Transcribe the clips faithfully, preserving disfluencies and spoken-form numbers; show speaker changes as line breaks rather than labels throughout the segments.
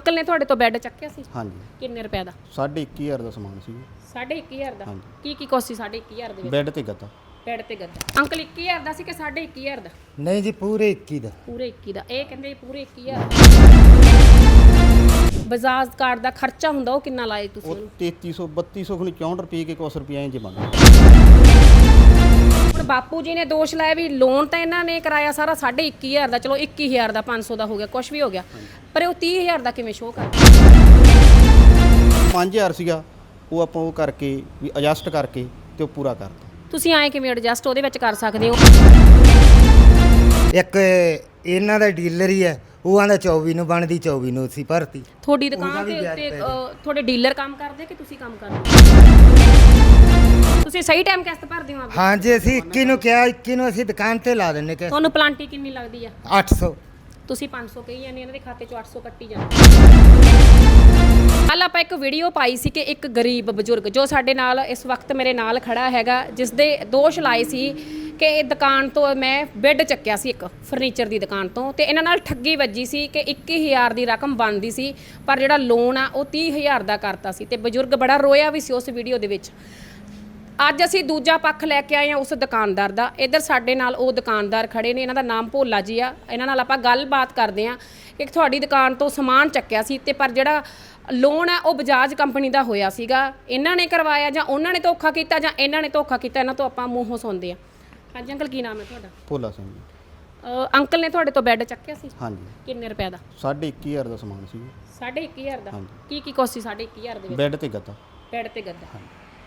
Uncle ਨੇ ਤੁਹਾਡੇ ਤੋਂ ਬੈੱਡ ਚੱਕਿਆ ਸੀ?
ਹਾਂਜੀ।
ਕਿੰਨੇ ਰੁਪਏ ਦਾ?
ਸਾਢੇ ਇੱਕੀ ਹਜ਼ਾਰ ਦਾ ਸਮਾਨ ਸੀ।
ਸਾਢੇ ਇੱਕੀ ਹਜ਼ਾਰ ਦਾ?
ਹਾਂਜੀ।
ਕੀ ਕੀ ਕੁਛ ਸੀ ਸਾਢੇ ਇੱਕੀ ਹਜ਼ਾਰ ਦੇ ਵਿੱਚ?
ਬੈੱਡ ਤੇ ਗੱਦਾ।
ਬੈੱਡ ਤੇ ਗੱਦਾ। ਅੰਕਲ ਇੱਕੀ ਹਜ਼ਾਰ ਦਾ ਸੀ ਕਿ ਸਾਢੇ ਇੱਕੀ ਹਜ਼ਾਰ ਦਾ?
ਨਹੀਂ ਜੀ ਪੂਰੇ ਇੱਕੀ ਦਾ।
ਪੂਰੇ ਇੱਕੀ ਦਾ। ਇਹ ਕਹਿੰਦੇ ਜੀ ਪੂਰੇ ਇੱਕੀ ਹਜ਼ਾਰ ਦਾ। ਬਜਾਜ ਕਾਰਡ ਦਾ ਖਰਚਾ ਹੁੰਦਾ ਉਹ ਕਿੰਨਾ ਲਾਏ ਤੁਸੀਂ
ਉਹ
ਉਹਨੂੰ?
ਤੇਤੀ ਸੌ ਬੱਤੀ ਸੌ ਖਣੀ ਚੌਂਹਠ ਰੁਪਏ ਕੇ ਕੁਛ ਰੁਪਏ ਇੰਜ ਬਣਦਾ।
ਹੁਣ ਬਾਪੂ ਜੀ ਨੇ ਦੋਸ਼ ਲਾਇਆ ਵੀ ਲੋਨ ਤਾਂ ਇਹਨਾਂ ਨੇ ਕਰਾਇਆ ਸਾਰਾ ਸਾਢੇ ਇੱਕੀ ਹਜ਼ਾਰ ਦਾ, ਚਲੋ ਇੱਕੀ ਹਜ਼ਾਰ ਦਾ ਪੰਜ ਸੌ ਦਾ ਹੋ ਗਿਆ, ਕੁਛ ਵੀ ਹੋ ਗਿਆ, ਪਰ ਉਹ ਤੀਹ ਹਜ਼ਾਰ ਦਾ ਕਿਵੇਂ ਸ਼ੋਅ ਕਰਦਾ?
ਪੰਜ ਹਜ਼ਾਰ ਸੀਗਾ ਉਹ ਆਪਾਂ ਉਹ ਕਰਕੇ ਵੀ ਐਡਜਸਟ ਕਰਕੇ ਤੇ ਉਹ ਪੂਰਾ ਕਰਤਾ।
ਤੁਸੀਂ ਆਏ ਕਿਵੇਂ ਐਡਜਸਟ ਉਹਦੇ ਵਿੱਚ ਕਰ ਸਕਦੇ ਹੋ?
ਇੱਕ ਇਹਨਾਂ ਦਾ ਡੀਲਰ ਹੀ ਹੈ, ਉਹ ਆਂਦਾ ਚੌਵੀ ਨੂੰ ਬਣਦੀ, ਚੌਵੀ ਨੂੰ ਅਸੀਂ ਭਰਤੀ।
ਤੁਹਾਡੀ
ਉਹਦਾ
ਦੁਕਾਨ
ਵੀ
ਦੇ
ਵਿਆਜ
ਉੱਤੇ
ਪੈ
ਅ, ਤੁਹਾਡੇ ਡੀਲਰ ਕੰਮ ਕਰਦੇ ਕਿ ਤੁਸੀਂ ਕੰਮ ਕਰਦੇ? ਤੁਸੀਂ ਸਹੀ ਟਾਈਮ ਕਿਸ਼ਤ ਭਰਦੇ ਹੋ ਆਪਦੀ?
ਹਾਂ ਜੀ, ਅਸੀਂ ਇੱਕੀ ਨੂੰ ਕਿਹਾ, ਇੱਕੀ ਨੂੰ ਅਸੀਂ ਦੁਕਾਨ ਤੇ ਲਾ ਦਿੰਨੇ ਕਿ
ਤੁਹਾਨੂੰ ਪਲਾਂਟੀ ਕਿੰਨੀ ਲੱਗਦੀ ਆ?
ਅੱਠ ਸੌ।
ਤੁਸੀਂ ਪੰਜ ਸੌ ਕਹੀ ਜਾਂਦੇ, ਇਹਨਾਂ ਦੇ ਖਾਤੇ ਚੋਂ ਅੱਠ ਸੌ ਕੱਟੀ ਜਾਂਦੇ। ਕੱਲ ਆਪਾਂ ਇੱਕ ਵੀਡੀਓ ਪਾਈ ਸੀ ਕਿ ਇੱਕ ਗਰੀਬ ਬਜ਼ੁਰਗ ਜੋ ਸਾਡੇ ਨਾਲ ਇਸ ਵਕਤ ਮੇਰੇ ਨਾਲ ਖੜਾ ਹੈਗਾ, ਜਿਸ ਦੇ ਦੋਸ਼ ਲਾਏ ਸੀ ਕਿ ਇਹ ਦੁਕਾਨ ਤੋਂ ਮੈਂ ਬੈੱਡ ਚੱਕਿਆ ਸੀ ਇੱਕ ਫਰਨੀਚਰ ਦੀ ਦੁਕਾਨ ਤੋਂ, ਤੇ ਇਹਨਾਂ ਨਾਲ ਠੱਗੀ ਵੱਜੀ ਸੀ ਕਿ ਇੱਕੀ ਹਜ਼ਾਰ ਦੀ ਰਕਮ ਬਣਦੀ ਸੀ, ਪਰ ਜਿਹੜਾ ਲੋਨ ਆ ਉਹ ਤੀਹ ਹਜ਼ਾਰ ਦਾ ਕਰਤਾ ਸੀ, ਤੇ ਬਜ਼ੁਰਗ ਬੜਾ ਰੋਇਆ ਵੀ ਸੀ ਉਸ ਵੀਡੀਓ ਦੇ ਵਿੱਚ। ਅੱਜ ਅਸੀਂ ਦੂਜਾ ਪੱਖ ਲੈ ਕੇ ਆਏ ਹਾਂ ਉਸ ਦੁਕਾਨਦਾਰ ਦਾ। ਇੱਧਰ ਸਾਡੇ ਨਾਲ ਉਹ ਦੁਕਾਨਦਾਰ ਖੜੇ ਨੇ, ਇਹਨਾਂ ਦਾ ਨਾਮ ਭੋਲਾ ਜੀ ਆ। ਇਹਨਾਂ ਨਾਲ ਆਪਾਂ ਗੱਲਬਾਤ ਕਰਦੇ ਹਾਂ ਕਿ ਤੁਹਾਡੀ ਦੁਕਾਨ ਤੋਂ ਸਮਾਨ ਚੱਕਿਆ ਸੀ, ਤੇ ਪਰ ਜਿਹੜਾ ਲੋਨ ਆ ਉਹ ਬਜਾਜ ਕੰਪਨੀ ਦਾ ਹੋਇਆ ਸੀਗਾ, ਇਹਨਾਂ ਨੇ ਕਰਵਾਇਆ ਜਾਂ ਉਹਨਾਂ ਨੇ ਧੋਖਾ ਕੀਤਾ ਜਾਂ ਇਹਨਾਂ ਨੇ ਧੋਖਾ ਕੀਤਾ? ਇਹਨਾਂ ਤੋਂ ਆਪਾਂ ਮੂੰਹੋਂ ਸੁਣਦੇ ਹਾਂ। ਹਾਂਜੀ ਅੰਕਲ, ਕੀ ਨਾਮ ਹੈ ਤੁਹਾਡਾ?
ਭੋਲਾ ਸਿੰਘ।
ਅ, ਅੰਕਲ ਨੇ ਤੁਹਾਡੇ ਤੋਂ ਬੈੱਡ ਚੱਕਿਆ ਸੀ?
ਹਾਂਜੀ।
ਕਿੰਨੇ ਰੁਪਏ ਦਾ?
ਸਾਢੇ ਇੱਕੀ ਹਜ਼ਾਰ ਦਾ ਸਮਾਨ ਸੀ।
ਸਾਢੇ ਇੱਕੀ ਹਜ਼ਾਰ ਦਾ?
ਹਾਂਜੀ।
ਕੀ ਕੀ ਕੁਛ ਸੀ ਸਾਢੇ ਇੱਕੀ ਹਜ਼ਾਰ ਦੇ ਵਿੱਚ?
ਬੈੱਡ ਤੇ ਗੱਦਾ।
ਬੈੱਡ ਤੇ ਗੱਦਾ।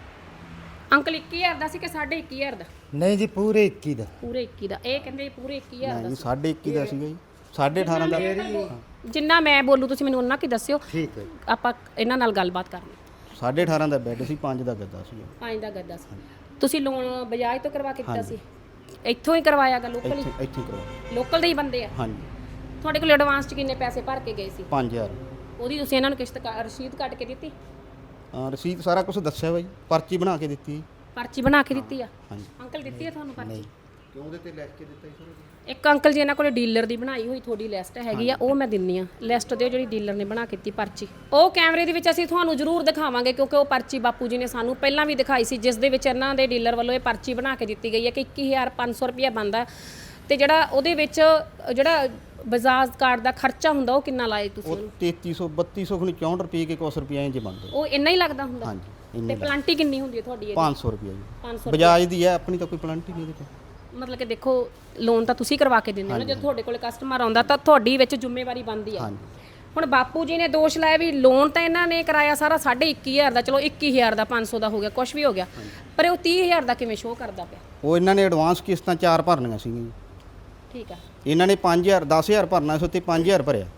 ਅੰਕਲ ਇੱਕੀ ਹਜ਼ਾਰ ਦਾ ਸੀ ਕਿ ਸਾਢੇ ਇੱਕੀ ਹਜ਼ਾਰ ਦਾ?
ਨਹੀਂ ਜੀ ਪੂਰੇ ਇੱਕੀ ਦਾ।
ਪੂਰੇ ਇੱਕੀ ਦਾ। ਇਹ ਕਹਿੰਦੇ ਪੂਰੇ ਇੱਕੀ ਹਜ਼ਾਰ ਦਾ
ਨਹੀਂ
ਸੀ।
ਸਾਢੇ ਇੱਕੀ ਦਾ ਸੀਗਾ ਜੀ। ਸਾਢੇ ਅਠਾਰਾਂ ਦਾ।
ਜਿੰਨਾ ਮੈਂ ਬੋਲੂ ਤੁਸੀਂ ਮੈਨੂੰ ਉਹਨਾਂ ਕੀ ਦੱਸਿਓ,
ਠੀਕ ਹੈ।
ਆਪਾਂ ਇਹਨਾਂ ਨਾਲ ਗੱਲਬਾਤ ਕਰਨੀ।
ਸਾਢੇ ਅਠਾਰਾਂ ਦਾ ਬੈੱਡ ਸੀ, ਪੰਜ ਦਾ ਗੱਦਾ ਸੀ।
ਪੰਜ ਦਾ ਗੱਦਾ ਸੀ। ਤੁਸੀਂ ਲੋਨ ਬਜਾਜ ਤੋਂ ਕਰਵਾ ਕੇ ਦਿੱਤਾ ਸੀ? ਇੱਥੋਂ ਹੀ ਕਰਵਾਇਆਗਾ? ਲੋਕਲ ਹੀ?
ਇੱਥੇ ਇੱਥੇ ਕਰਵਾ।
ਲੋਕਲ ਦੇ ਹੀ ਬੰਦੇ ਆ?
ਹਾਂਜੀ।
ਤੁਹਾਡੇ ਕੋਲ ਐਡਵਾਂਸ 'ਚ ਕਿੰਨੇ ਪੈਸੇ ਭਰ ਕੇ ਗਏ ਸੀ?
ਪੰਜ ਹਜ਼ਾਰ।
ਉਹਦੀ ਤੁਸੀਂ ਇਹਨਾਂ ਨੂੰ ਕਿਸ਼ਤ ਕ- ਰਸੀਦ ਕੱਟ ਕੇ ਦਿੱਤੀ?
ਹਾਂ, ਰਸੀਦ ਸਾਰਾ ਕੁਝ ਦੱਸਿਆ ਬਾਈ, ਪਰਚੀ ਬਣਾ ਕੇ ਦਿੱਤੀ।
ਪਰਚੀ ਬਣਾ ਕੇ ਦਿੱਤੀ ਆ?
ਹਾਂਜੀ।
ਅੰਕਲ ਦਿੱਤੀ ਆ ਤੁਹਾਨੂੰ ਪਰਚੀ?
ਕਿਉਂ ਉਹਦੇ ਤੇ ਲਿਖ ਕੇ ਦਿੱਤਾ ਜੀ?
ਇੱਕ ਅੰਕਲ ਜੀ ਇਹਨਾਂ ਕੋਲੇ ਡੀਲਰ ਦੀ ਬਣਾਈ ਹੋਈ ਤੁਹਾਡੀ ਲਿਸਟ ਹੈਗੀ ਆ, ਉਹ ਮੈਂ ਦਿੰਨੀ ਆ। ਲਿਸਟ ਦਿਓ ਜਿਹੜੀ ਡੀਲਰ ਨੇ ਬਣਾ ਕੇ ਦਿੱਤੀ ਪਰਚੀ। ਉਹ ਕੈਮਰੇ ਦੇ ਵਿੱਚ ਅਸੀਂ ਤੁਹਾਨੂੰ ਜ਼ਰੂਰ ਦਿਖਾਵਾਂਗੇ, ਕਿਉਂਕਿ ਉਹ ਪਰਚੀ ਬਾਪੂ ਜੀ ਨੇ ਸਾਨੂੰ ਪਹਿਲਾਂ ਵੀ ਦਿਖਾਈ ਸੀ, ਜਿਸ ਦੇ ਵਿੱਚ ਇਹਨਾਂ ਦੇ ਡੀਲਰ ਵੱਲੋਂ ਇਹ ਪਰਚੀ ਬਣਾ ਕੇ ਦਿੱਤੀ ਗਈ ਹੈ ਕਿ ਇੱਕੀ ਹਜ਼ਾਰ ਪੰਜ ਸੌ ਰੁਪਇਆ ਬਣਦਾ, ਤੇ ਜਿਹੜਾ ਉਹਦੇ ਵਿੱਚ ਜਿਹੜਾ ਬਜਾਜ ਕਾਰਡ ਦਾ ਖਰਚਾ ਹੁੰਦਾ ਉਹ ਕਿੰਨਾ ਲਾਏ ਤੁਸੀਂ
ਉਹ
ਉਹਨੂੰ?
ਤੇਤੀ ਸੌ ਬੱਤੀ ਸੌ ਖਣੀ ਚੌਂਹਠ ਰੁਪਏ ਕੇ ਕੁਛ ਰੁਪਏ ਇੰਜ ਬਣਦਾ।
ਉਹ ਇੰਨਾ ਹੀ ਲੱਗਦਾ ਹੁੰਦਾ?
ਹਾਂਜੀ
ਤੇ
ਇੰਨੇ
ਪਲਾਂਟੀ ਕਿੰਨੀ ਹੁੰਦੀ ਹੈ ਤੁਹਾਡੀ ਇਹਦੀ?
ਪੰਜ ਸੌ ਰੁਪਏ ਜੀ।
ਪੰਜ ਸੌ
ਬਜਾਜ ਦੀ ਹੈ, ਆਪਣੀ ਤਾਂ ਕੋਈ ਪਲਾਂਟੀ ਨਹੀਂ ਇਹਦੇ ਤੇ।
ਮਤਲਬ ਕਿ ਦੇਖੋ, ਲੋਨ ਤਾਂ ਤੁਸੀਂ ਕਰਵਾ ਕੇ ਦਿੰਦੇ ਹੋ ਨਾ, ਜਦੋਂ ਤੁਹਾਡੇ ਕੋਲੇ ਕਸਟਮਰ ਆਉਂਦਾ ਤਾਂ ਤੁਹਾਡੀ ਵਿੱਚ ਜ਼ਿੰਮੇਵਾਰੀ ਬਣਦੀ ਹੈ।
ਹਾਂਜੀ।
ਹੁਣ ਬਾਪੂ ਜੀ ਨੇ ਦੋਸ਼ ਲਾਇਆ ਵੀ ਲੋਨ ਤਾਂ ਇਹਨਾਂ ਨੇ ਕਰਾਇਆ ਸਾਰਾ ਸਾਢੇ ਇੱਕੀ ਹਜ਼ਾਰ ਦਾ, ਚਲੋ ਇੱਕੀ ਹਜ਼ਾਰ ਦਾ ਪੰਜ ਸੌ ਦਾ ਹੋ ਗਿਆ, ਕੁਛ ਵੀ ਹੋ ਗਿਆ, ਪਰ ਉਹ ਤੀਹ ਹਜ਼ਾਰ ਦਾ ਕਿਵੇਂ ਸ਼ੋਅ ਕਰਦਾ ਪਿਆ?
ਉਹ ਇਹਨਾਂ ਨੇ ਐਡਵਾਂਸ ਕਿਸ਼ਤਾਂ ਚਾਰ ਭਰਨੀਆਂ ਸੀਗੀਆਂ ਜੀ।
ਠੀਕ ਆ।
ਇਹਨਾਂ ਨੇ ਪੰਜ ਹਜ਼ਾਰ ਦਸ ਹਜ਼ਾਰ ਭਰਨਾ ਸੀ, ਉੱਤੇ ਪੰਜ ਹਜ਼ਾਰ ਭਰਿਆ।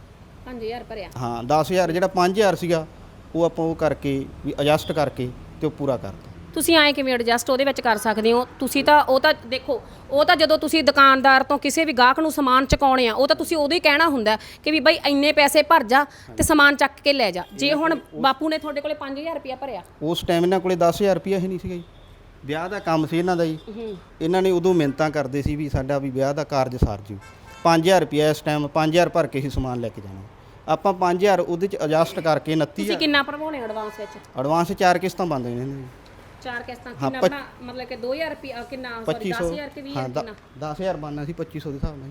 ਪੰਜ ਹਜ਼ਾਰ ਭਰਿਆ?
ਹਾਂ, ਦਸ ਹਜ਼ਾਰ ਜਿਹੜਾ ਪੰਜ ਹਜ਼ਾਰ ਸੀਗਾ ਉਹ ਆਪਾਂ ਉਹ ਕਰਕੇ ਵੀ ਐਡਜਸਟ ਕਰਕੇ ਤੇ ਉਹ ਪੂਰਾ ਕਰਤਾ।
ਤੁਸੀਂ ਆਏ ਕਿਵੇਂ ਐਡਜਸਟ ਉਹਦੇ ਵਿੱਚ ਕਰ ਸਕਦੇ ਹੋ? ਤੁਸੀਂ ਤਾਂ ਉਹ ਤਾਂ ਦੇਖੋ, ਉਹ ਤਾਂ ਜਦੋਂ ਤੁਸੀਂ ਦੁਕਾਨਦਾਰ ਤੋਂ ਕਿਸੇ ਵੀ ਗਾਹਕ ਨੂੰ ਸਮਾਨ ਚੁਕਾਉਣੇ ਆ, ਉਹ ਤਾਂ ਤੁਸੀਂ ਉਦੋਂ ਹੀ ਕਹਿਣਾ ਹੁੰਦਾ ਕਿ ਵੀ ਬਾਈ ਇੰਨੇ ਪੈਸੇ ਭਰ ਜਾ ਤੇ ਸਮਾਨ ਚੱਕ ਕੇ ਲੈ ਜਾ। ਜੇ ਹੁਣ ਬਾਪੂ ਨੇ ਤੁਹਾਡੇ ਕੋਲੇ ਪੰਜ ਹਜ਼ਾਰ ਰੁਪਇਆ ਭਰਿਆ,
ਉਸ ਟਾਈਮ ਇਹਨਾਂ ਕੋਲੇ ਦਸ ਹਜ਼ਾਰ ਰੁਪਇਆ ਹੀ ਨਹੀਂ ਸੀਗਾ ਜੀ। ਵਿਆਹ ਦਾ ਕੰਮ ਸੀ ਇਹਨਾਂ ਦਾ ਜੀ। ਇਹਨਾਂ ਨੇ ਉਦੋਂ ਮਿੰਨਤਾਂ ਕਰਦੇ ਸੀ ਵੀ ਸਾਡਾ ਵੀ ਵਿਆਹ ਦਾ ਕਾਰਜ ਸਰ ਜੂ। ਪੰਜ ਹਜ਼ਾਰ ਰੁਪਇਆ ਇਸ ਟਾਈਮ ਪੰਜ ਹਜ਼ਾਰ ਭਰ ਕੇ ਹੀ ਸਮਾਨ ਲੈ ਕੇ ਜਾਣਾ। ਆਪਾਂ ਪੰਜ ਹਜ਼ਾਰ ਉਹਦੇ ਚ ਐਡਜਸਟ ਕਰਕੇ ਉਨੱਤੀ
ਤੁਸੀਂ ਕਿੰਨਾ ਭਰਵਾਉਣੇ ਐਡਵਾਂਸ ਵਿੱਚ?
ਐਡਵਾਂਸ ਚਾਰ ਕਿਸ਼ਤਾਂ ਬੰਦ ਨੇ ਇਹਨਾਂ ਦੀ।
ਚਾਰ ਕਿਸ਼ਤਾਂ?
ਹਾਂ,
ਕਿੰਨਾ ਬਣਾ ਮਤਲਬ ਕਿ ਦੋ ਹਜ਼ਾਰ ਰੁਪਇਆ ਕਿੰਨਾ? ਸੌਰੀ
ਪੱਚੀ ਸੌ।
ਦਸ ਹਜ਼ਾਰ ਕਿ ਵੀਹ
ਹਾਂ,
ਹਜ਼ਾਰ ਕਿੰਨਾ?
ਦਸ ਹਜ਼ਾਰ ਬਣਨਾ ਸੀ ਪੱਚੀ ਸੌ ਦੇ ਹਿਸਾਬ ਨਾਲ।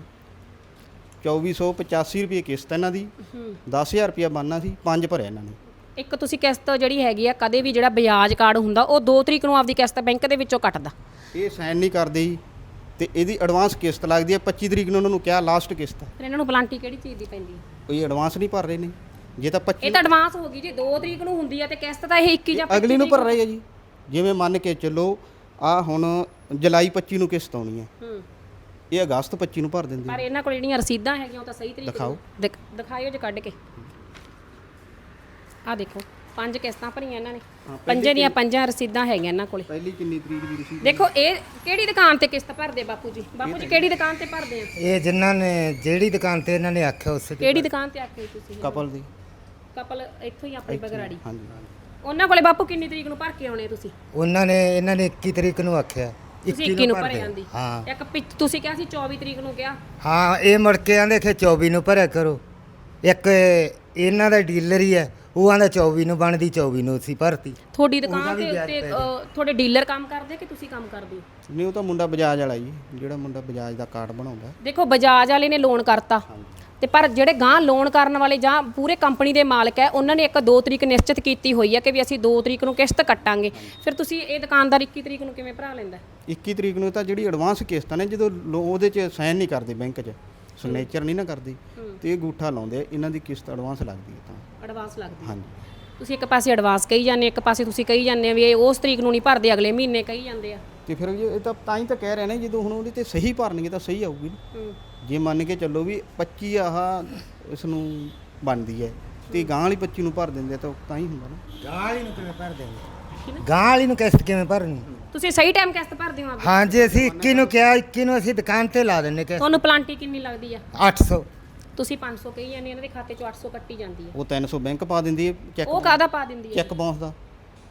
ਚੌਵੀ ਸੌ ਪਚਾਸੀ ਰੁਪਏ ਕਿਸ਼ਤ ਇਹਨਾਂ ਦੀ। ਦਸ ਹਜ਼ਾਰ ਰੁਪਇਆ ਬਣਨਾ ਸੀ, ਪੰਜ ਭਰਿਆ ਇਹਨਾਂ ਨੇ।
ਇੱਕ ਤੁਸੀਂ ਕਿਸ਼ਤ ਜਿਹੜੀ ਹੈਗੀ ਆ, ਕਦੇ ਵੀ ਜਿਹੜਾ ਵਿਆਜ ਕਾਰਡ ਹੁੰਦਾ ਉਹ ਦੋ ਤਰੀਕ ਨੂੰ ਆਪਦੀ ਕਿਸ਼ਤ ਬੈਂਕ ਦੇ ਵਿੱਚੋਂ ਕੱਟਦਾ।
ਇਹ ਸਾਈਨ ਨਹੀਂ ਕਰਦੇ ਜੀ, ਤੇ ਇਹਦੀ ਐਡਵਾਂਸ ਕਿਸ਼ਤ ਲੱਗਦੀ ਹੈ ਪੱਚੀ ਤਰੀਕ ਨੂੰ। ਉਹਨਾਂ ਨੂੰ ਕਿਹਾ ਲਾਸਟ ਕਿਸ਼ਤ।
ਫਿਰ ਇਹਨਾਂ ਨੂੰ ਪਲਾਂਟੀ ਕਿਹੜੀ ਚੀਜ਼ ਦੀ ਪੈਂਦੀ ਹੈ?
ਕੋਈ ਐਡਵਾਂਸ ਨਹੀਂ ਭਰ ਰਹੇ ਨੇ। ਜੇ ਤਾਂ ਪੱਚੀ
ਇਹ ਤਾਂ ਐਡਵਾਂਸ ਹੋ ਗਈ ਜੀ, ਦੋ ਤਰੀਕ ਨੂੰ ਹੁੰਦੀ ਆ ਤੇ ਕਿਸ਼ਤ ਤਾਂ ਇਹ ਇੱਕੀ ਜਾਂ
ਅਗਲੀ ਨੂੰ ਭਰ ਰਹੇ ਆ ਜੀ। ਜਿਵੇਂ ਮੰਨ ਕੇ ਚੱਲੋ ਆ ਹੁਣ ਜੁਲਾਈ ਪੱਚੀ ਨੂੰ ਕਿਸ਼ਤ ਆਉਣੀ ਹੈ,
ਹੂੰ,
ਇਹ ਅਗਸਤ ਪੱਚੀ ਨੂੰ ਭਰ ਦਿੰਦੇ
ਪਰ ਇਹਨਾਂ ਕੋਲ ਜਿਹੜੀਆਂ ਰਸੀਦਾਂ ਹੈਗੀਆਂ ਉਹ ਤਾਂ ਸਹੀ ਤਰੀਕੇ
ਦਿਖਾਓ।
ਦਿਖ- ਦਿਖਾਇਓ ਜੇ ਕੱਢ ਕੇ। ਆ ਦੇਖੋ, ਪੰਜ ਕਿਸ਼ਤਾਂ ਭਰੀਆਂ ਇਹਨਾਂ ਨੇ, ਪੰਜੇ ਦੀਆਂ ਪੰਜਾਂ ਰਸੀਦਾਂ ਹੈਗੀਆਂ ਇਹਨਾਂ ਕੋਲੇ।
ਪਹਿਲੀ ਕਿੰਨੀ ਤਰੀਕ ਦੀ ਰਸੀਦ?
ਦੇਖੋ ਇਹ ਕਿਹੜੀ ਦੁਕਾਨ ਤੇ ਕਿਸ਼ਤ ਭਰਦੇ ਬਾਪੂ ਜੀ? ਬਾਪੂ ਜੀ ਕਿਹੜੀ ਦੁਕਾਨ ਤੇ ਭਰਦੇ ਆ?
ਇਹ ਜਿਨ੍ਹਾਂ ਨੇ ਜਿਹੜੀ ਦੁਕਾਨ ਤੇ ਇਹਨਾਂ ਨੇ ਆਖਿਆ ਉਸ ਦੀ।
ਕਿਹੜੀ ਦੁਕਾਨ ਤੇ ਆਖੇ ਤੁਸੀਂ?
ਕਪਲ ਦੀ।
ਕਪਲ ਇੱਥੋਂ ਹੀ ਆਪਣੀ ਬਗਰਾੜੀ।
ਹਾਂਜੀ।
ਉਹਨਾਂ ਕੋਲੇ ਬਾਪੂ ਕਿੰਨੀ ਤਰੀਕ ਨੂੰ ਭਰ ਕੇ ਆਉਣੇ ਤੁਸੀਂ?
ਉਹਨਾਂ ਨੇ ਇਹਨਾਂ ਨੇ ਇੱਕੀ ਤਰੀਕ ਨੂੰ ਆਖਿਆ।
ਤੁਸੀਂ ਇੱਕੀ ਨੂੰ ਭਰੇ
ਭਰਦੇ।
ਜਾਂਦੀ?
ਹਾਂ
ਇੱਕ ਪਿੱਛ- ਤੁਸੀਂ ਕਿਹਾ ਸੀ ਚੌਵੀ ਤਰੀਕ ਨੂੰ ਕਿਹਾ।
ਹਾਂ, ਇਹ ਮੁੜ ਕੇ ਆਂਦੇ ਕਿ ਚੌਵੀ ਨੂੰ ਭਰਿਆ ਕਰੋ। ਇੱਕ ਇਹਨਾਂ ਦਾ ਡੀਲਰ ਹੀ ਹੈ, ਉਹ ਆਂਦਾ ਚੌਵੀ ਨੂੰ ਬਣਦੀ ਚੌਵੀ ਨੂੰ ਅਸੀਂ ਭਰਤੀ।
ਤੁਹਾਡੀ
ਉਹਦਾ
ਦੁਕਾਨ
ਵੀ
ਦੇ
ਵਿਆਜ
ਉੱਤੇ
ਪੈ
ਅ, ਤੁਹਾਡੇ ਡੀਲਰ ਕੰਮ ਕਰਦੇ ਕਿ ਤੁਸੀਂ ਕੰਮ ਕਰਦੇ ਹੋ?
ਨਹੀਂ ਉਹ ਤਾਂ ਮੁੰਡਾ ਬਜਾਜ ਵਾਲਾ ਜੀ, ਜਿਹੜਾ ਮੁੰਡਾ ਬਜਾਜ ਦਾ ਕਾਰਡ ਬਣਾਉਂਦਾ।
ਦੇਖੋ ਬਜਾਜ ਵਾਲੇ ਨੇ ਲੋਨ ਕਰਤਾ ਤੇ ਪਰ ਜਿਹੜੇ ਗਾਂ ਲੋਨ ਕਰਨ ਵਾਲੇ ਜਾਂ ਪੂਰੇ ਕੰਪਨੀ ਦੇ ਮਾਲਕ ਹੈ ਉਹਨਾਂ ਨੇ ਇੱਕ ਦੋ ਤਰੀਕ ਨਿਸ਼ਚਿਤ ਕੀਤੀ ਹੋਈ ਹੈ ਕਿ ਵੀ ਅਸੀਂ ਦੋ ਤਰੀਕ ਨੂੰ ਕਿਸ਼ਤ ਕੱਟਾਂਗੇ। ਫਿਰ ਤੁਸੀਂ ਇਹ ਦੁਕਾਨਦਾਰ ਇੱਕੀ ਤਰੀਕ ਨੂੰ ਕਿਵੇਂ ਭਰਾ ਲੈਂਦਾ?
ਇੱਕੀ ਤਰੀਕ ਨੂੰ ਤਾਂ ਜਿਹੜੀ ਐਡਵਾਂਸ ਕਿਸ਼ਤਾਂ ਨੇ ਜਦੋਂ ਲੋ- ਉਹਦੇ 'ਚ ਸਾਈਨ ਨਹੀਂ ਕਰਦੇ ਬੈਂਕ 'ਚ, ਸਿਗਨੇਚਰ ਨਹੀਂ ਨਾ ਕਰਦੀ ਤੇ ਇਹ ਗੂਠਾ ਲਾਉਂਦੇ ਆ, ਇਹਨਾਂ ਦੀ ਕਿਸ਼ਤ ਐਡਵਾਂਸ ਲੱਗਦੀ ਹੈ ਤਾਂ
ਐਡਵਾਂਸ ਲੱਗਦੀ ਹੈ।
ਹਾਂਜੀ।
ਤੁਸੀਂ ਇੱਕ ਪਾਸੇ ਐਡਵਾਂਸ ਕਹੀ ਜਾਂਦੇ, ਇੱਕ ਪਾਸੇ ਤੁਸੀਂ ਕਹੀ ਜਾਂਦੇ ਆ ਵੀ ਇਹ ਉਸ ਤਰੀਕ ਨੂੰ ਨਹੀਂ ਭਰਦੇ, ਅਗਲੇ ਮਹੀਨੇ ਕਹੀ ਜਾਂਦੇ ਆ।
ਤੇ ਫਿਰ ਇਹ ਤਾਂ ਤਾਂ ਹੀ ਤਾਂ ਕਹਿ ਰਹੇ ਨੇ ਜਦੋਂ ਹੁਣ ਉਹਦੇ ਤੇ ਸਹੀ ਭਰਨਗੇ ਤਾਂ ਸਹੀ ਆਊਗੀ ਨਾ।
ਹੂੰ।
ਜੇ ਮੰਨ ਕੇ ਚੱਲੋ ਵੀ ਪੱਚੀ ਆਹ ਇਸ ਨੂੰ ਬਣਦੀ ਹੈ ਤੇ ਗਾਂ ਵਾਲੀ ਪੱਚੀ ਨੂੰ ਭਰ ਦਿੰਦੇ ਤਾਂ ਤਾਂ ਹੀ ਹੁੰਦਾ ਨਾ।
ਗਾਂ ਵਾਲੀ ਨੂੰ ਕਿਵੇਂ ਭਰ ਦੇਂਗੇ? ਗਾਂ ਵਾਲੀ ਨੂੰ ਕਿਸ਼ਤ ਕਿਵੇਂ ਭਰਨੀ?
ਤੁਸੀਂ ਸਹੀ ਟਾਈਮ ਕਿਸ਼ਤ ਭਰਦੇ ਹੋ ਆਪਦੀ?
ਹਾਂ ਜੀ, ਅਸੀਂ ਇੱਕੀ ਨੂੰ ਕਿਹਾ, ਇੱਕੀ ਨੂੰ ਅਸੀਂ ਦੁਕਾਨ ਤੇ ਲਾ ਦਿੰਨੇ ਕਿਸ਼ਤ।
ਤੁਹਾਨੂੰ ਪਲਾਂਟੀ ਕਿੰਨੀ ਲੱਗਦੀ ਆ?
ਅੱਠ ਸੌ।
ਤੁਸੀਂ ਪੰਜ ਸੌ ਕਹੀ ਜਾਂਦੇ, ਇਹਨਾਂ ਦੇ ਖਾਤੇ ਚੋਂ ਅੱਠ ਸੌ ਕੱਟੀ ਜਾਂਦੀ ਹੈ।
ਉਹ ਤਿੰਨ ਸੌ ਬੈਂਕ ਪਾ ਦਿੰਦੀ ਹੈ ਚੈੱਕ,
ਉਹ ਕਾਹਦਾ ਪਾ ਦਿੰਦੀ ਹੈ?
ਚੈੱਕ ਬਾਉਂਸ ਦਾ।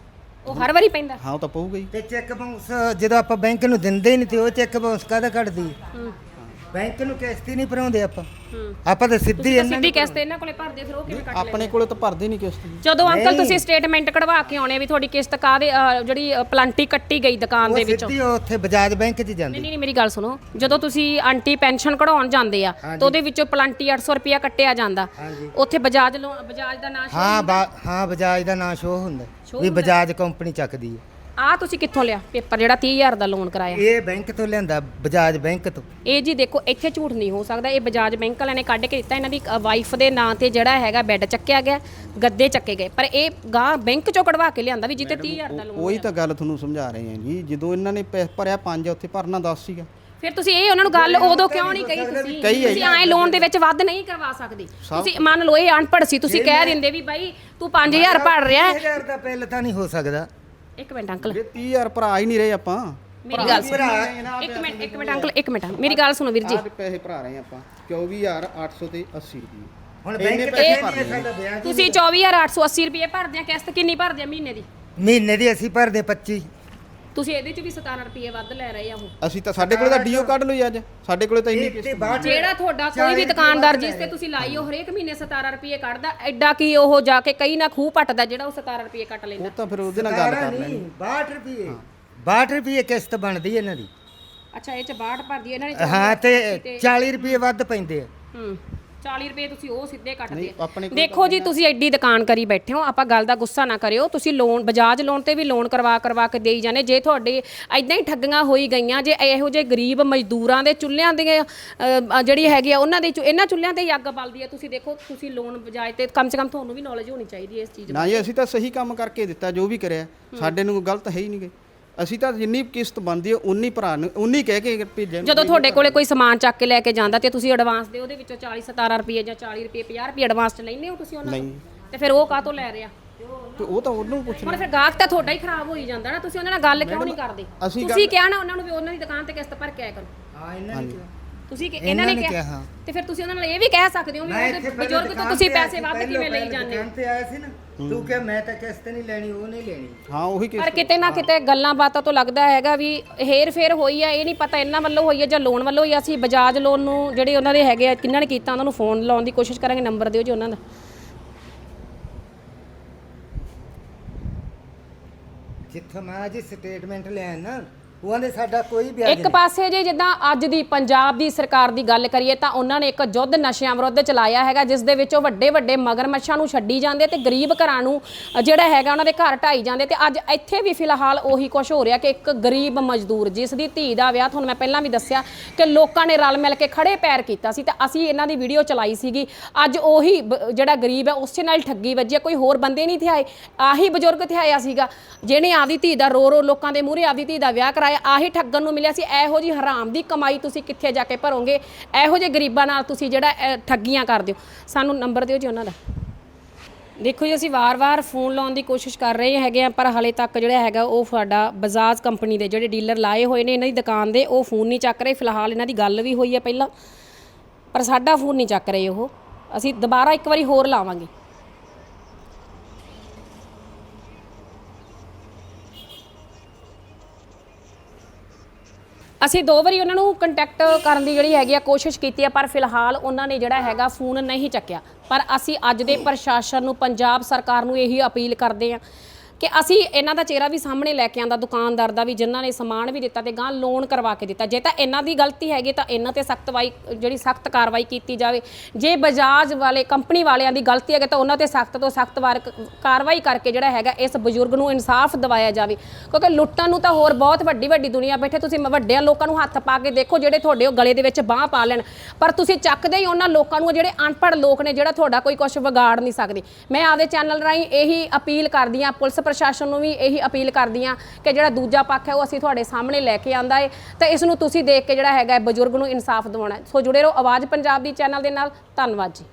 ਉਹ ਹਰ ਵਾਰੀ ਪੈਂਦਾ?
ਹਾਂ ਉਹ ਤਾਂ ਪਊਗਾ ਹੀ।
ਤੇ ਚੈੱਕ ਬਾਉਂਸ ਜਦੋਂ ਆਪਾਂ ਬੈਂਕ ਨੂੰ ਦਿੰਦੇ ਹੀ ਨਹੀਂ ਤੇ ਉਹ ਚੈੱਕ ਬਾਉਂਸ ਕਾਹਦਾ ਕੱਢਦੀ ਹੈ?
ਹੂੰ
ਬੈਂਕ ਨੂੰ ਕਿਸ਼ਤ ਹੀ ਨਹੀਂ ਭਰਾਉਂਦੇ ਆਪਾਂ।
ਹੂੰ।
ਆਪਾਂ ਤਾਂ ਸਿੱਧੀ
ਤੁਸੀਂ ਤਾਂ
ਇਹਨਾਂ
ਸਿੱਧੀ ਕਿਸ਼ਤ ਇਹਨਾਂ ਕੋਲੇ ਭਰਦੇ, ਫਿਰ ਉਹ ਕਿਵੇਂ ਕੱਟ ਲੈਂਦੇ?
ਆਪਣੇ ਕੋਲੇ ਤਾਂ ਭਰਦੇ ਨਹੀਂ ਕਿਸ਼ਤ ਜੀ।
ਜਦੋਂ ਅੰਕਲ ਤੁਸੀਂ ਸਟੇਟਮੈਂਟ ਕਢਵਾ ਕੇ ਆਉਣੇ ਵੀ ਤੁਹਾਡੀ ਕਿਸ਼ਤ ਕਾਹਦੇ ਅ, ਜਿਹੜੀ ਅ, ਪਲਾਂਟੀ ਕੱਟੀ ਗਈ ਦੁਕਾਨ ਦੇ
ਉਹ
ਵਿੱਚੋਂ।
ਸਿੱਧੀ ਉੱਥੇ ਬਜਾਜ ਬੈਂਕ 'ਚ
ਨਹੀਂ
ਜਾਂਦੀ।
ਨਹੀਂ ਮੇਰੀ ਗੱਲ ਸੁਣੋ, ਜਦੋਂ ਤੁਸੀਂ ਆਂਟੀ ਪੈਨਸ਼ਨ ਕਢਾਉਣ ਜਾਂਦੇ ਆ ਤਾਂ ਉਹਦੇ ਵਿੱਚੋਂ ਪਲਾਂਟੀ ਅੱਠ ਸੌ ਰੁਪਇਆ ਕੱਟਿਆ ਜਾਂਦਾ,
ਹਾਂਜੀ।
ਉੱਥੇ ਬਜਾਜ ਲੋਨ ਬਜਾਜ ਦਾ ਨਾਂ
ਹਾਂ ਬਾ- ਹਾਂ ਬਜਾਜ ਦਾ ਨਾਂ ਸ਼ੋਅ ਹੁੰਦਾ
Show
ਵੀ
ਹੁੰਦਾ।
ਬਜਾਜ ਕੰਪਨੀ ਚੱਕਦੀ ਹੈ।
ਆ ਤੁਸੀਂ ਕਿੱਥੋਂ ਲਿਆ ਪੇਪਰ ਜਿਹੜਾ ਤੀਹ ਹਜ਼ਾਰ ਦਾ ਲੋਨ ਕਰਾਇਆ?
ਇਹ ਬੈਂਕ ਤੋਂ ਲਿਆਂਦਾ, ਬਜਾਜ ਬੈਂਕ ਤੋਂ।
ਇਹ ਜੀ ਦੇਖੋ ਇੱਥੇ ਝੂਠ ਨਹੀਂ ਹੋ ਸਕਦਾ, ਇਹ ਬਜਾਜ ਬੈਂਕ ਵਾਲਿਆਂ ਨੇ ਕੱਢ ਕੇ ਦਿੱਤਾ। ਇਹਨਾਂ ਦੀ ਵਾਈਫ ਦੇ ਨਾਂ ਤੇ ਜਿਹੜਾ ਹੈਗਾ ਬੈੱਡ ਚੱਕਿਆ ਗਿਆ, ਗੱਦੇ ਚੱਕੇ ਗਏ, ਪਰ ਇਹ ਗਾਂ ਬੈਂਕ ਚੋਂ ਕਢਵਾ ਕੇ ਲਿਆਂਦਾ ਵੀ ਜਿੱਤੇ ਤੀਹ ਹਜ਼ਾਰ ਦਾ ਲੋਨ।
ਉਹੀ ਤਾਂ ਗੱਲ ਤੁਹਾਨੂੰ ਸਮਝਾ ਰਹੇ ਹਾਂ ਜੀ, ਜਦੋਂ ਇਹਨਾਂ ਨੇ ਪੈਸੇ ਭਰਿਆ ਪੰਜ ਉੱਥੇ ਭਰਨਾ ਦਸ ਸੀਗਾ।
ਫਿਰ ਤੁਸੀਂ ਇਹ ਉਹਨਾਂ ਨੂੰ ਗੱਲ ਉਦੋਂ ਕਿਉਂ ਨਹੀਂ ਕਹੀ? ਤੁਸੀਂ
ਕਹੀ ਹੈ
ਤੁਸੀਂ ਐਂ ਲੋਨ ਦੇ ਵਿੱਚ ਵੱਧ ਨਹੀਂ ਕਰਵਾ ਸਕਦੇ। ਤੁਸੀਂ ਮੰਨ ਲਓ ਇਹ ਅਨਪੜ੍ਹ ਸੀ, ਤੁਸੀਂ ਕਹਿ ਦਿੰਦੇ ਵੀ ਬਾਈ ਤੂੰ ਪੰਜ ਹਜ਼ਾਰ ਭਰ ਰਿਹਾ ਹੈ।
ਹਜ਼ਾਰ ਦਾ ਬਿੱਲ ਤਾਂ ਨਹੀਂ ਹੋ ਸਕਦਾ।
ਇੱਕ ਮਿੰਟ ਅੰਕਲ,
ਜੇ ਤੀਹ ਹਜ਼ਾਰ ਭਰਾ ਹੀ ਨਹੀਂ ਰਹੇ ਆਪਾਂ।
ਮੇਰੀ ਗੱਲ ਸੁਣੋ। ਇੱਕ ਮਿੰਟ ਇੱਕ ਮਿੰਟ ਅੰਕਲ, ਇੱਕ ਮਿੰਟ ਮੇਰੀ ਗੱਲ ਸੁਣੋ ਵੀਰ ਜੀ।
ਆਹ ਪੈਸੇ ਭਰਾ ਰਹੇ ਆਪਾਂ ਚੌਵੀ ਹਜ਼ਾਰ ਅੱਠ ਸੌ ਤੇ ਅੱਸੀ ਰੁਪਏ।
ਹੁਣ
ਇੰਨੇ
ਬੈਂਕ
ਪੈਸੇ
ਤੇ
ਭਰਨੇ
ਸਾਡਾ ਵਿਆਜ
ਤੁਸੀਂ ਚੌਵੀ ਹਜ਼ਾਰ ਅੱਠ ਸੌ ਅੱਸੀ ਰੁਪਏ ਭਰਦੇ ਆ, ਕਿਸ਼ਤ ਕਿੰਨੀ ਭਰਦੇ ਆ ਮਹੀਨੇ ਦੀ?
ਮਹੀਨੇ ਦੀ ਅਸੀਂ ਭਰਦੇ ਪੱਚੀ।
ਤੁਸੀਂ ਇਹਦੇ ਚ ਵੀ ਸਤਾਰਾਂ ਰੁਪਏ ਵੱਧ ਲੈ ਰਹੇ ਆ ਉਹ।
ਅਸੀਂ ਤਾਂ ਸਾਡੇ ਕੋਲੇ ਤਾਂ ਡੀਓ ਕੱਢ ਲਓ ਜੀ ਅੱਜ, ਸਾਡੇ ਕੋਲੇ ਤਾਂ ਇੰਨੀ
ਤੇ
ਕਿਸ਼ਤ
ਬਾਅਦ
ਜਿਹੜਾ ਤੁਹਾਡਾ ਕੋਈ ਵੀ ਦੁਕਾਨਦਾਰ ਜਿਸ ਤੇ ਤੁਸੀਂ ਲਾਈ ਉਹ ਹਰੇਕ ਮਹੀਨੇ ਸਤਾਰਾਂ ਰੁਪਏ ਕੱਢਦਾ, ਐਡਾ ਕੀ ਉਹ ਜਾ ਕੇ ਕਈ ਨਾ ਖੂਹ ਪੱਟਦਾ ਜਿਹੜਾ ਉਹ ਸਤਾਰਾਂ ਰੁਪਏ ਕੱਟ ਲੈਂਦਾ।
ਉਹ ਤਾਂ ਫਿਰ ਉਹਦੇ ਨਾਲ ਗੱਲ ਕਰ ਲੈਣੀ।
ਬਾਹਠ ਰੁਪਏ ਬਾਹਠ ਰੁਪਏ ਕਿਸ਼ਤ ਬਣਦੀ ਇਹਨਾਂ ਦੀ।
ਅੱਛਾ ਇਹ ਚ ਬਾਹਠ ਭਰਦੀ ਇਹਨਾਂ ਨੇ?
ਹਾਂ ਤੇ ਚਾਲੀ ਰੁਪਏ ਵੱਧ ਪੈਂਦੇ ਆ।
ਹੂੰ ਚਾਲੀ ਰੁਪਏ ਤੁਸੀਂ ਉਹ ਸਿੱਧੇ ਕੱਟਦੇ ਆ।
ਆਪਣੇ ਕੋਲ
ਦੇਖੋ ਜੀ ਤੁਸੀਂ ਐਡੀ ਦੁਕਾਨ ਕਰੀ ਬੈਠੇ ਹੋ, ਆਪਾਂ ਗੱਲ ਦਾ ਗੁੱਸਾ ਨਾ ਕਰਿਓ। ਤੁਸੀਂ ਲੋਨ ਬਜਾਜ ਲੋਨ ਤੇ ਵੀ ਲੋਨ ਕਰਵਾ ਕਰਵਾ ਕੇ ਦੇਈ ਜਾਂਦੇ। ਜੇ ਤੁਹਾਡੇ ਐਦਾਂ ਹੀ ਠੱਗੀਆਂ ਹੋਈ ਗਈਆਂ, ਜੇ ਇਹੋ ਜਿਹੇ ਗਰੀਬ ਮਜ਼ਦੂਰਾਂ ਦੇ ਚੁੱਲ੍ਹਿਆਂ ਦੀਆਂ ਅ, ਜਿਹੜੀ ਹੈਗੀ ਆ ਉਹਨਾਂ ਦੇ ਚੁ- ਇਹਨਾਂ ਚੁੱਲ੍ਹਿਆਂ ਤੇ ਹੀ ਅੱਗ ਬਲਦੀ ਆ। ਤੁਸੀਂ ਦੇਖੋ ਤੁਸੀਂ ਲੋਨ ਬਜਾਜ ਤੇ ਕਮ ਸੇ ਕਮ ਤੁਹਾਨੂੰ ਵੀ ਨੌਲੇਜ ਹੋਣੀ ਚਾਹੀਦੀ ਹੈ ਇਸ ਚੀਜ਼
ਨਾ ਜੀ, ਅਸੀਂ ਤਾਂ ਸਹੀ ਕੰਮ ਕਰਕੇ ਦਿੱਤਾ ਜੋ ਵੀ ਕਰਿਆ, ਸਾਡੇ ਨੂੰ ਗਲਤ ਹੈ ਹੀ ਨਹੀਂ ਗਏ। ਅਸੀਂ ਤਾਂ ਜਿੰਨੀ ਕਿਸ਼ਤ ਬਣਦੀ ਹੈ ਉਨੀ ਭਰਾ ਨੂੰ ਉਨੀ ਕਹਿ ਕੇ ਭੇਜਿਆ।
ਜਦੋਂ ਤੁਹਾਡੇ ਕੋਲੇ ਕੋਈ ਸਮਾਨ ਚੱਕ ਕੇ ਲੈ ਕੇ ਜਾਂਦਾ ਤੇ ਤੁਸੀਂ ਐਡਵਾਂਸ ਦੇ ਉਹਦੇ ਵਿੱਚੋਂ ਚਾਲੀ ਸਤਾਰਾਂ ਰੁਪਏ ਜਾਂ ਚਾਲੀ ਰੁਪਏ ਪੰਜਾਹ ਰੁਪਏ ਐਡਵਾਂਸ ਚ ਲੈਂਦੇ ਹੋ ਤੁਸੀਂ ਉਹਨਾਂ ਤੋਂ, ਤੇ ਫਿਰ ਉਹ ਕਾਹਤੋਂ ਲੈ ਰਿਹਾ?
ਤੇ ਉਹ ਤਾਂ ਉਹਨੂੰ ਪੁੱਛ
ਹੁਣ ਫਿਰ ਗਾਹਕ ਤਾਂ ਤੁਹਾਡਾ ਹੀ ਖਰਾਬ ਹੋਈ ਜਾਂਦਾ ਨਾ। ਤੁਸੀਂ ਉਹਨਾਂ ਨਾਲ ਗੱਲ ਕਿਉਂ ਨਹੀਂ ਕਰਦੇ?
ਅਸੀਂ
ਤੁਸੀਂ ਕਿਹਾ ਨਾ ਉਹਨਾਂ ਨੂੰ ਵੀ ਉਹਨਾਂ ਦੀ ਦੁਕਾਨ ਤੇ ਕਿਸ਼ਤ ਭਰ ਕੇ ਆਇਆ ਕਰੋ।
ਹਾਂ ਇਹਨਾਂ ਨੇ
ਤੁਸੀਂ ਕਿ ਇਹਨਾਂ ਨੇ
ਇਹਨਾਂ ਨੇ
ਕਿਹਾ,
ਕਿਹਾ।
ਤੇ ਫਿਰ ਤੁਸੀਂ ਉਹਨਾਂ ਨਾਲ ਇਹ ਵੀ ਕਹਿ ਸਕਦੇ ਹੋ ਵੀ ਉਹਦੇ ਬਜ਼ੁਰਗ ਤੋਂ ਤੁਸੀਂ ਪੈਸੇ ਵੱਧ ਕਿਵੇਂ ਲਈ ਜਾਂਦੇ ਹੋ?
ਦੁਕਾਨ ਤੇ ਆਇਆ ਸੀ ਨਾ ਤੂੰ ਕਿ ਮੈਂ ਤਾਂ ਕਿਸ਼ਤ ਨਹੀਂ ਲੈਣੀ, ਉਹ ਨਹੀਂ ਲੈਣੀ।
ਹਾਂ ਉਹੀ
ਪਰ
ਕਿਸ਼ਤ।
ਕਿਤੇ ਨਾ ਕਿਤੇ ਗੱਲਾਂ ਬਾਤਾਂ ਤੋਂ ਲੱਗਦਾ ਹੈਗਾ ਵੀ ਹੇਰ ਫੇਰ ਹੋਈ ਆ। ਇਹ ਨਹੀਂ ਪਤਾ ਇਹਨਾਂ ਵੱਲੋਂ ਹੋਈ ਹੈ ਜਾਂ ਲੋਨ ਵੱਲੋਂ ਹੋਈ ਆ। ਅਸੀਂ ਬਜਾਜ ਲੋਨ ਨੂੰ ਜਿਹੜੇ ਉਹਨਾਂ ਦੇ ਹੈਗੇ ਆ ਕਿੰਨਾਂ ਨੇ ਕੀਤਾ ਉਹਨਾਂ ਨੂੰ ਫੋਨ ਲਾਉਣ ਦੀ ਕੋਸ਼ਿਸ਼ ਕਰਾਂਗੇ। ਨੰਬਰ ਦਿਓ ਜੀ ਉਹਨਾਂ ਦਾ।
ਜਿੱਥੋਂ ਮੈਂ ਅੱਜ ਸਟੇਟਮੈਂਟ ਲਿਆ ਨਾ ਉਹਨਾਂ ਦੇ ਸਾਡਾ ਕੋਈ ਵਿਆਜ
ਇੱਕ ਪਾਸੇ ਜੇ ਜਿੱਦਾਂ ਅੱਜ ਦੀ ਪੰਜਾਬ ਦੀ ਸਰਕਾਰ ਦੀ ਗੱਲ ਕਰੀਏ ਤਾਂ ਉਹਨਾਂ ਨੇ ਇੱਕ ਯੁੱਧ ਨਸ਼ਿਆਂ ਵਿਰੁੱਧ ਚਲਾਇਆ ਹੈਗਾ, ਜਿਸ ਦੇ ਵਿੱਚ ਉਹ ਵੱਡੇ ਵੱਡੇ ਮਗਰਮੱਛਾਂ ਨੂੰ ਛੱਡੀ ਜਾਂਦੇ ਤੇ ਗਰੀਬ ਘਰਾਂ ਨੂੰ ਜਿਹੜਾ ਹੈਗਾ ਉਹਨਾਂ ਦੇ ਘਰ ਢਾਈ ਜਾਂਦੇ। ਤੇ ਅੱਜ ਇੱਥੇ ਵੀ ਫਿਲਹਾਲ ਉਹੀ ਕੁਝ ਹੋ ਰਿਹਾ ਕਿ ਇੱਕ ਗਰੀਬ ਮਜ਼ਦੂਰ ਜਿਸ ਦੀ ਧੀ ਦਾ ਵਿਆਹ, ਤੁਹਾਨੂੰ ਮੈਂ ਪਹਿਲਾਂ ਵੀ ਦੱਸਿਆ ਕਿ ਲੋਕਾਂ ਨੇ ਰਲ ਮਿਲ ਕੇ ਖੜੇ ਪੈਰ ਕੀਤਾ ਸੀ ਤੇ ਅਸੀਂ ਇਹਨਾਂ ਦੀ ਵੀਡੀਓ ਚਲਾਈ ਸੀਗੀ। ਅੱਜ ਉਹੀ ਬ- ਜਿਹੜਾ ਗਰੀਬ ਹੈ ਉਸੇ ਨਾਲ ਠੱਗੀ ਵੱਜੀ ਹੈ। ਕੋਈ ਹੋਰ ਬੰਦੇ ਨਹੀਂ ਥਿਆਏ, ਆਹੀ ਬਜ਼ੁਰਗ ਥਿਆਇਆ ਸੀਗਾ ਜਿਹਨੇ ਆਪਦੀ ਧੀ ਦਾ ਰੋ ਰੋ ਲੋਕਾਂ ਦੇ ਮੂਹਰੇ ਆਪਦੀ ਧੀ ਦਾ ਵਿਆਹ ਕਰਾਇਆ। ਆਹੀ ਠੱਗਣ ਨੂੰ ਮਿਲਿਆ ਸੀ। ਇਹੋ ਜੀ ਹਰਾਮ ਦੀ ਕਮਾਈ ਤੁਸੀਂ ਕਿੱਥੇ ਜਾ ਕੇ ਭਰੋਗੇ? ਇਹੋ ਜਿਹੇ ਗਰੀਬਾਂ ਨਾਲ ਤੁਸੀਂ ਜਿਹੜਾ ਅਹ, ਠੱਗੀਆਂ ਕਰਦੇ ਹੋ। ਸਾਨੂੰ ਨੰਬਰ ਦਿਓ ਜੀ ਉਹਨਾਂ ਦਾ। ਦੇਖੋ ਜੀ ਅਸੀਂ ਵਾਰ-ਵਾਰ ਫੋਨ ਲਾਉਣ ਦੀ ਕੋਸ਼ਿਸ਼ ਕਰ ਰਹੇ ਹੈਗੇ ਆ, ਪਰ ਹਾਲੇ ਤੱਕ ਜਿਹੜਾ ਹੈਗਾ ਉਹ ਸਾਡਾ ਬਜਾਜ ਕੰਪਨੀ ਦੇ ਜਿਹੜੇ ਡੀਲਰ ਲਾਏ ਹੋਏ ਨੇ ਇਹਨਾਂ ਦੀ ਦੁਕਾਨ ਦੇ, ਉਹ ਫੋਨ ਨਹੀਂ ਚੱਕ ਰਹੇ। ਫਿਲਹਾਲ ਇਹਨਾਂ ਦੀ ਗੱਲ ਵੀ ਹੋਈ ਹੈ ਪਹਿਲਾਂ, ਪਰ ਸਾਡਾ ਫੋਨ ਨਹੀਂ ਚੱਕ ਰਹੇ ਉਹ। ਅਸੀਂ ਦੁਬਾਰਾ ਇੱਕ ਵਾਰੀ ਹੋਰ ਲਾਵਾਂਗੇ। ਅਸੀਂ ਦੋ ਵਾਰੀ ਉਹਨਾਂ ਨੂੰ ਕੰਟੈਕਟ ਕਰਨ ਦੀ ਜਿਹੜੀ ਹੈਗੀ ਆ ਕੋਸ਼ਿਸ਼ ਕੀਤੀ ਆ, ਪਰ ਫਿਲਹਾਲ ਉਹਨਾਂ ਨੇ ਜਿਹੜਾ ਹੈਗਾ ਫੋਨ ਨਹੀਂ ਚੱਕਿਆ। ਪਰ ਅਸੀਂ ਅੱਜ ਦੇ ਪ੍ਰਸ਼ਾਸਨ ਨੂੰ, ਪੰਜਾਬ ਸਰਕਾਰ ਨੂੰ ਇਹੀ ਅਪੀਲ ਕਰਦੇ ਆ ਕਿ ਅਸੀਂ ਇਹਨਾਂ ਦਾ ਚਿਹਰਾ ਵੀ ਸਾਹਮਣੇ ਲੈ ਕੇ ਆਂਦਾ, ਦੁਕਾਨਦਾਰ ਦਾ ਵੀ, ਜਿਨ੍ਹਾਂ ਨੇ ਸਮਾਨ ਵੀ ਦਿੱਤਾ ਤੇ ਗਾਂ ਲੋਨ ਕਰਵਾ ਕੇ ਦਿੱਤਾ। ਜੇ ਤਾਂ ਇਹਨਾਂ ਦੀ ਗਲਤੀ ਹੈਗੀ ਤਾਂ ਇਹਨਾਂ ਤੇ ਸਖਤ ਵਾਈ ਜਿਹੜੀ ਸਖਤ ਕਾਰਵਾਈ ਕੀਤੀ ਜਾਵੇ। ਜੇ ਬਜਾਜ ਵਾਲੇ ਕੰਪਨੀ ਵਾਲਿਆਂ ਦੀ ਗਲਤੀ ਹੈਗੀ ਤਾਂ ਉਹਨਾਂ ਤੇ ਸਖਤ ਤੋਂ ਸਖਤ ਵਾਰ ਕਾਰਵਾਈ ਕਰਕੇ ਜਿਹੜਾ ਹੈਗਾ ਇਸ ਬਜ਼ੁਰਗ ਨੂੰ ਇਨਸਾਫ ਦਿਵਾਇਆ ਜਾਵੇ, ਕਿਉਂਕਿ ਲੁੱਟਣ ਨੂੰ ਤਾਂ ਹੋਰ ਬਹੁਤ ਵੱਡੀ ਵੱਡੀ ਦੁਨੀਆ ਬੈਠੇ। ਤੁਸੀਂ ਵੱਡਿਆਂ ਲੋਕਾਂ ਨੂੰ ਹੱਥ ਪਾ ਕੇ ਦੇਖੋ ਜਿਹੜੇ ਤੁਹਾਡੇ ਉਹ ਗਲੇ ਦੇ ਵਿੱਚ ਬਾਂਹ ਪਾ ਲੈਣ, ਪਰ ਤੁਸੀਂ ਚੱਕਦੇ ਹੀ ਉਹਨਾਂ ਲੋਕਾਂ ਨੂੰ ਜਿਹੜੇ ਅਨਪੜ੍ਹ ਲੋਕ ਨੇ, ਜਿਹੜਾ ਤੁਹਾਡਾ ਕੋਈ ਕੁਝ ਵਿਗਾੜ ਨਹੀਂ ਸਕਦੇ। ਮੈਂ ਆਪਦੇ ਚੈਨਲ ਰਾਹੀਂ ਇਹੀ ਅਪੀਲ ਕਰਦੀ ਹਾਂ, ਪੁਲਿਸ ਪ੍ਰਸ਼ਾਸਨ ਨੂੰ ਵੀ ਇਹੀ ਅਪੀਲ ਕਰਦੀ ਹਾਂ ਕਿ ਜਿਹੜਾ ਦੂਜਾ ਪੱਖ ਹੈ ਉਹ ਅਸੀਂ ਤੁਹਾਡੇ ਸਾਹਮਣੇ ਲੈ ਕੇ ਆਂਦਾ ਹੈ ਤੇ ਇਸ ਨੂੰ ਤੁਸੀਂ ਦੇਖ ਕੇ ਜਿਹੜਾ ਹੈਗਾ ਬਜ਼ੁਰਗ ਨੂੰ ਇਨਸਾਫ ਦਿਵਾਉਣਾ। ਸੋ ਜੁੜੇ ਰਹੋ ਆਵਾਜ਼ ਪੰਜਾਬ ਦੀ ਚੈਨਲ ਦੇ ਨਾਲ। ਧੰਨਵਾਦ ਜੀ।